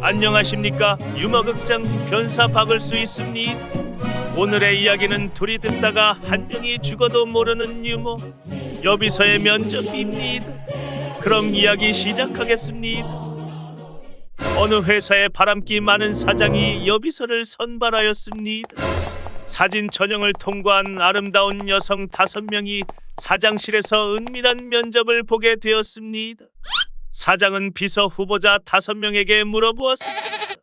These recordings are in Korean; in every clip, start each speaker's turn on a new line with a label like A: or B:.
A: 안녕하십니까. 유머극장 변사 박을 수 있습니다. 오늘의 이야기는 둘이 듣다가 한 명이 죽어도 모르는 유머 여비서의 면접입니다. 그럼 이야기 시작하겠습니다. 어느 회사에 바람기 많은 사장이 여비서를 선발하였습니다. 사진 전형을 통과한 아름다운 여성 5명이 사장실에서 은밀한 면접을 보게 되었습니다. 사장은 비서 후보자 5명에게 물어보았습니다.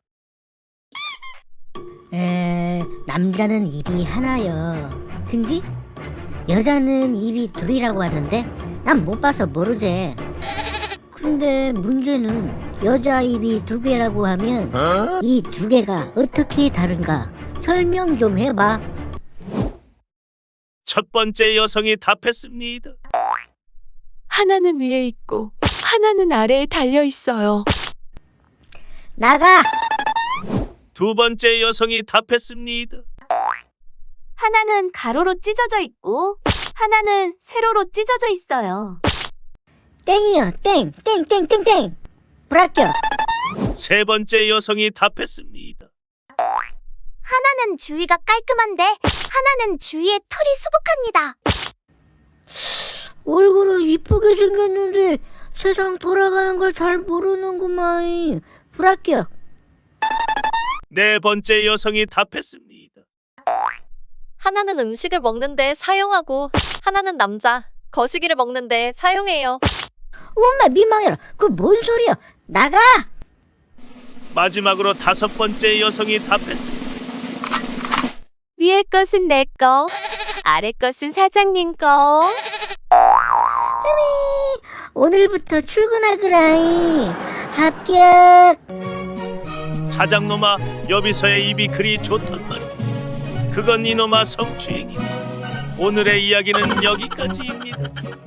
B: 남자는 입이 하나요. 근데 여자는 입이 둘이라고 하던데 난 못 봐서 모르지. 근데 문제는 여자 입이 2개라고 하면 이 2개가 어떻게 다른가 설명 좀 해봐.
A: 첫 번째 여성이 답했습니다.
C: 하나는 위에 있고 하나는 아래에 달려 있어요.
B: 나가!
A: 두 번째 여성이 답했습니다.
D: 하나는 가로로 찢어져 있고 하나는 세로로 찢어져 있어요.
B: 땡이요. 땡! 땡! 불합격!
A: 세 번째 여성이 답했습니다.
D: 하나는 주위가 깔끔한데 하나는 주위에 털이 수북합니다.
B: 얼굴은 이쁘게 생겼는데 세상 돌아가는 걸 잘 모르는구만. 불합격!
A: 네 번째 여성이 답했습니다.
E: 하나는 음식을 먹는데 사용하고 하나는 남자, 거시기를 먹는데 사용해요.
B: 엄마 민망해라. 그 뭔 소리야. 나가!
A: 마지막으로 5번째 여성이 답했습니다.
D: 위에 것은 내 거, 아래 것은 사장님 거.
B: 오늘부터 출근하거라이. 합격!
A: 사장놈아, 여비서의 입이 그리 좋단 말이야. 그건 이놈아 성추행이야. 오늘의 이야기는 여기까지입니다.